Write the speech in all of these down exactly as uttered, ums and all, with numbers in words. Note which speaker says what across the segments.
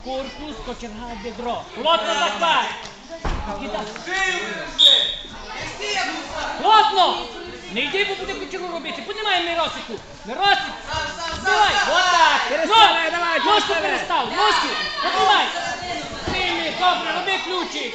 Speaker 1: Корпус, кочерга, бедро. Плотно захват. Плотно! Не йди, бо буде кочергу робити. Піднімай Миросику. Миросик! Давай! Отак!
Speaker 2: Переставай, давай,
Speaker 1: Ножку
Speaker 2: переставай.
Speaker 1: перестав! Ножку! Піднімай! Прийми, добре, роби ключик!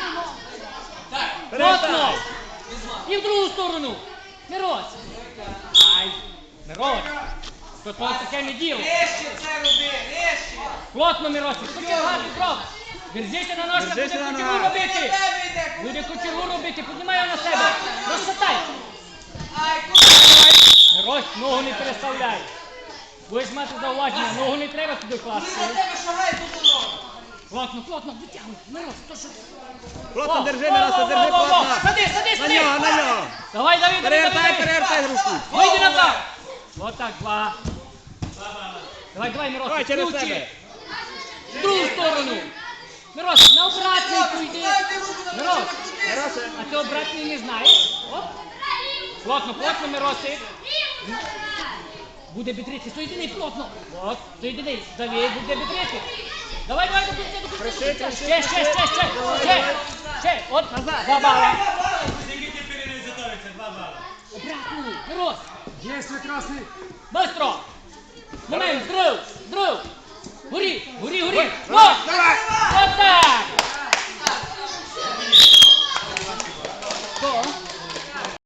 Speaker 1: Плотно! І в другу сторону! Мирос! Ай! Мирос! То то таке не діло!
Speaker 3: Нижче це роби, нижче.
Speaker 1: Плотно, Миросик! Кочерга, Петро! Держися на ножках, буде
Speaker 2: Держися на
Speaker 1: кочергу
Speaker 2: ногах.
Speaker 1: робити! Буде кочергу робити, піднімай його на себе! Розшатай!
Speaker 3: Ай, куди?
Speaker 1: Мирось, ногу не переставляй! Будеш мати зауваження, ногу не треба туди
Speaker 3: Коли
Speaker 1: класти!
Speaker 3: на тебе шагає, тут воно.
Speaker 1: Плотно, плотно, витягуй! Мирос, то що?
Speaker 2: Плотно
Speaker 1: О,
Speaker 2: держи,
Speaker 1: о,
Speaker 2: Мирослав,
Speaker 1: о,
Speaker 2: держи
Speaker 1: о, о, о.
Speaker 2: плотно.
Speaker 1: Сади, сади,
Speaker 2: На
Speaker 1: сади!
Speaker 2: нього, на нього.
Speaker 1: Давай, Давид, Давид,
Speaker 2: Перевертай,
Speaker 1: Давид!
Speaker 2: перевертай руку.
Speaker 1: Вийди назад! Вот так, два. Давай, давай, Мирос,
Speaker 2: Давай, через
Speaker 1: ключі.
Speaker 2: себе.
Speaker 1: В другу сторону. Мирос, на обратний пойди.
Speaker 3: Ставте руку на
Speaker 1: Мирос,
Speaker 2: Миросе.
Speaker 1: а ти обратний не знаєш? Оп. Плотно, плотно, Миросик. Буде бітрити, соєдини плотно. От, соєдини. Давид, буде бітрити. Давай, давай, до кінця, до кінця, до
Speaker 2: Кричи,
Speaker 1: кінця.
Speaker 2: кричи,
Speaker 1: Ще, ще, ще, ще,
Speaker 2: Давай,
Speaker 1: ще,
Speaker 2: давай.
Speaker 1: ще. От,
Speaker 2: Назад.
Speaker 1: два бала.
Speaker 4: Скільки тепер не затовиться? Два бали.
Speaker 1: Обратний, Мирос.
Speaker 2: Є прекрасний.
Speaker 1: Быстро! Момент, дров, дров! Гори, гори, гори!
Speaker 2: Давай,
Speaker 1: Вот!
Speaker 2: давай.
Speaker 1: Вот так!